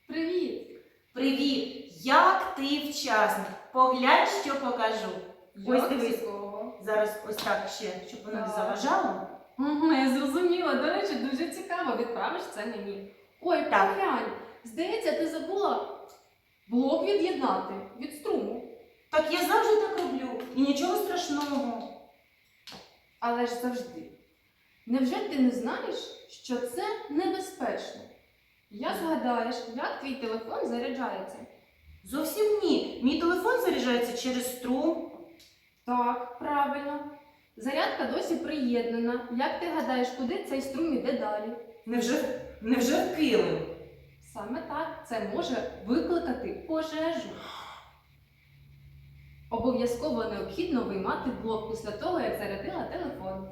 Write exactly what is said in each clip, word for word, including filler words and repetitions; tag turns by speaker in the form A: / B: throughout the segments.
A: Привіт!
B: Привіт! Як ти вчасний? Поглянь, що покажу. Ось дивись.
A: Цікаво.
B: Зараз ось так ще, щоб воно не
A: Так.
B: заважало.
A: Угу, я зрозуміла. До речі, дуже цікаво. Відправиш це мені. Ой,
B: Так.
A: поглянь. Здається, ти забула блок від'єднати від струму.
B: Так я завжди так роблю. І нічого страшного.
A: Але ж завжди. Невже ти не знаєш, що це небезпечно? Я згадаєш, як твій телефон заряджається.
B: Зовсім ні. Мій телефон заряджається через струм.
A: Так, правильно. Зарядка досі приєднана. Як ти гадаєш, куди цей струм іде далі?
B: Невже, невже в килим?
A: Саме так, це може викликати пожежу. Обов'язково необхідно виймати блок після того, як зарядила телефон.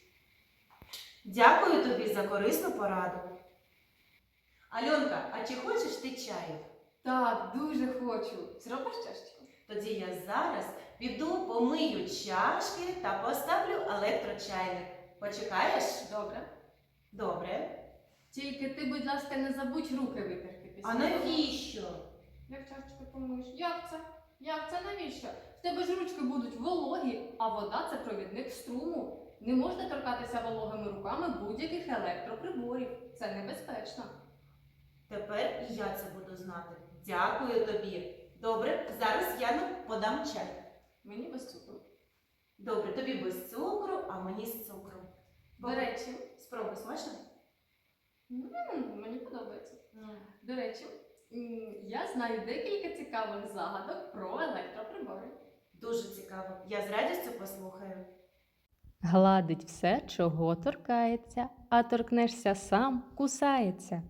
B: Дякую тобі за корисну пораду. Альонка, а чи хочеш ти чаю?
A: Так, дуже хочу. Зробиш чашечку?
B: Тоді я зараз піду помию чашки та поставлю електрочайник. Почекаєш?
A: Добре.
B: Добре.
A: Тільки ти, будь ласка, не забудь руки витерти після
B: А
A: того.
B: навіщо?
A: Як чашечку помиєш? Як це? Як це навіщо? В тебе ж ручки будуть вологі, а вода – це провідник струму. Не можна торкатися вологими руками будь-яких електроприборів. Це небезпечно.
B: Тепер і я це буду знати. Дякую тобі. Добре, зараз я нам подам чай.
A: Мені без цукру.
B: Добре, тобі без цукру, а мені з цукром.
A: До речі,
B: Спробуй, смачно?
A: м, мені подобається. До речі, м, я знаю декілька цікавих загадок про електроприбори.
B: Дуже цікаво. Я з радістю послухаю.
C: Гладить все, чого торкається, а торкнешся сам, кусається.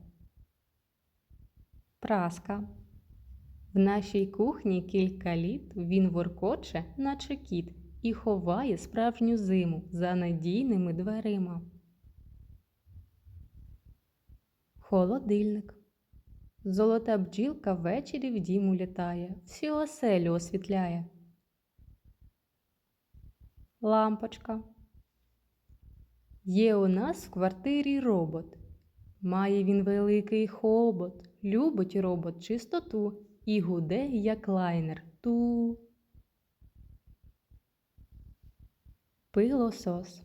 C: Праска. В нашій кухні кілька літ він воркоче, наче кіт, і ховає справжню зиму за надійними дверима. Холодильник. Золота бджілка ввечері в дім улітає, всю оселю освітляє. Лампочка. Є у нас в квартирі робот. Має він великий хобот, любить робот чистоту і гуде, як лайнер. Ту. Пилосос.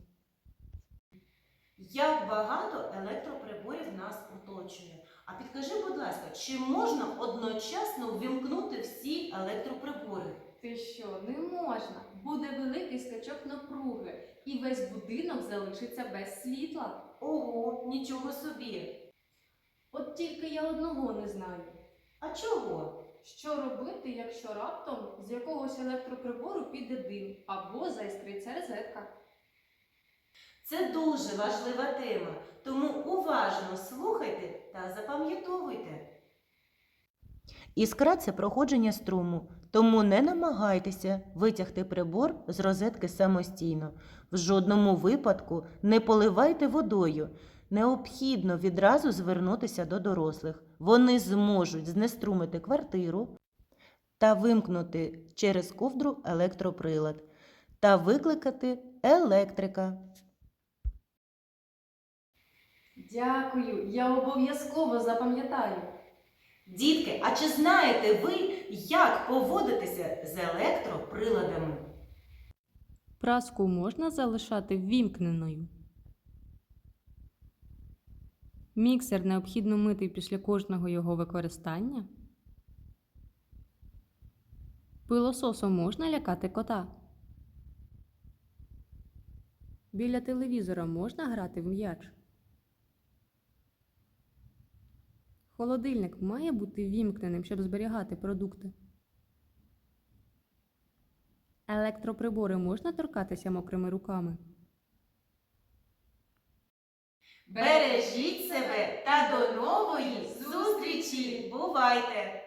B: Як багато електроприборів нас оточує. А підкажи, будь ласка, чи можна одночасно ввімкнути всі електроприбори?
A: Ти що, не можна? Буде великий скачок напруги, і весь будинок залишиться без світла.
B: Ого, нічого собі.
A: От тільки я одного не знаю.
B: А чого?
A: Що робити, якщо раптом з якогось електроприбору піде дим або заіскриться розетка?
B: Це дуже важлива тема, тому уважно слухайте та запам'ятовуйте. Іскра – це проходження струму, тому не намагайтеся витягти прибор з розетки самостійно. В жодному випадку не поливайте водою. Необхідно відразу звернутися до дорослих. Вони зможуть знеструмити квартиру та вимкнути через ковдру електроприлад та викликати електрика.
A: Дякую, я обов'язково запам'ятаю.
B: Дітки, а чи знаєте ви, як поводитися з електроприладами?
C: Праску можна залишати ввімкненою. Міксер необхідно мити після кожного його використання. Пилососом можна лякати кота. Біля телевізора можна грати в м'яч. Холодильник має бути ввімкненим, щоб зберігати продукти. Електроприбори можна торкатися мокрими руками.
B: Бережіть себе та до нової зустрічі! Бувайте!